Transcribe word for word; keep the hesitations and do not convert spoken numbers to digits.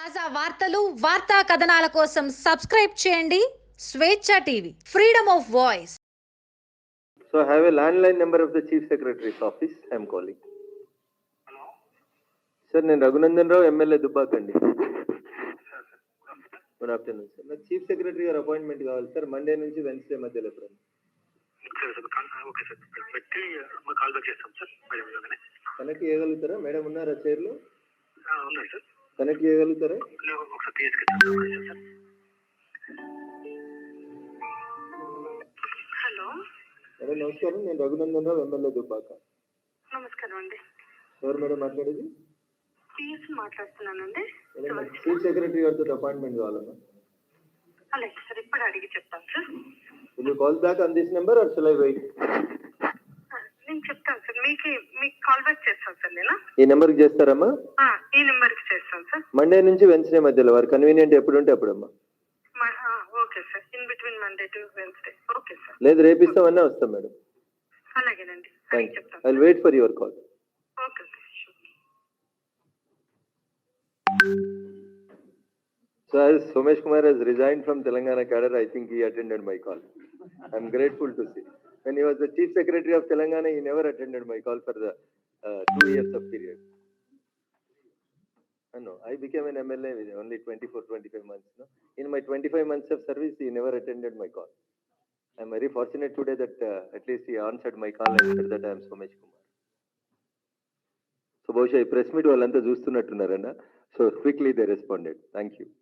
తాజా వార్తలు వార్తా కథనాల కోసం సబ్స్క్రైబ్ చేయండి Swechha TV freedom of voice. So I have a landline number of the Chief Secretary's office. I am calling. Hello. Sir, నేను Raghunandan Rao MLA దుబ్బాకండి. Good afternoon sir. నాకు chief secretary గారు అపాయింట్మెంట్ కావాలి సార్, మండే నుంచి వెన్స్డే మధ్యలో ఎప్పుడు okay sir, పెట్టి call back చేస్తాం సార్. మేడం కనెక్ట్ చేయగలుగుతారా? మేడం ఉన్నారా చైర్లో? ఉన్నాయి సార్. కనెక్ట్ చేయగలుగుతారా? ఒకసారి తీసుకెళ్తాం సార్. హలో మేడం నమస్కారం, నేను రఘునందన్ రావు ఎమ్మెల్యే దుబ్బాక. నమస్కారం అండి. ఎవరు మేడం మాట్లాడేది? పిఎస్ మాట్లాడుతున్నానండి. చీఫ్ సెక్రటరీ గారితో అపాయింట్మెంట్ కావాలమ్మా. అలాగే సార్, ఇప్పుడు అడిగి చెప్తాను sir. Will you call back on this number or shall I wait? నేను చెప్తాను సార్, మీకు మీకు కాల్ బ్యాక్ చేస్తాను సార్. నేను ఈ నెంబర్కి చేస్తారమ్మా? ఈ నెంబర్కి చేస్తాను సార్. మండే నుంచి వెన్స్డే మధ్యలో వారు కన్వీనియంట్ ఎప్పుడు ఉంటే అప్పుడమ్మా. Okay sir, in between Monday to Wednesday. Okay sir. లేదు, రేపు ఇస్తామన్నా వస్తాం మేడం. అలాగేనండి, థ్యాంక్ యూ. చెప్తాను. I will wait for your call. Okay sir. So as Somesh Kumar has resigned from Telangana cadre, I think he attended my call. I am grateful to see. When he was the Chief Secretary of Telangana, he never attended my call for the uh, two years of period. Uh, no, I became an M L A with only twenty-four, twenty-five months. No? In my twenty-five months of service, he never attended my call. I am very fortunate today that uh, at least he answered my call and said that I am Somesh Kumar. So, బహుశా ఈ press meet వాళ్ళంతా చూస్తున్నట్టున్నారన్న. So quickly they responded. Thank you.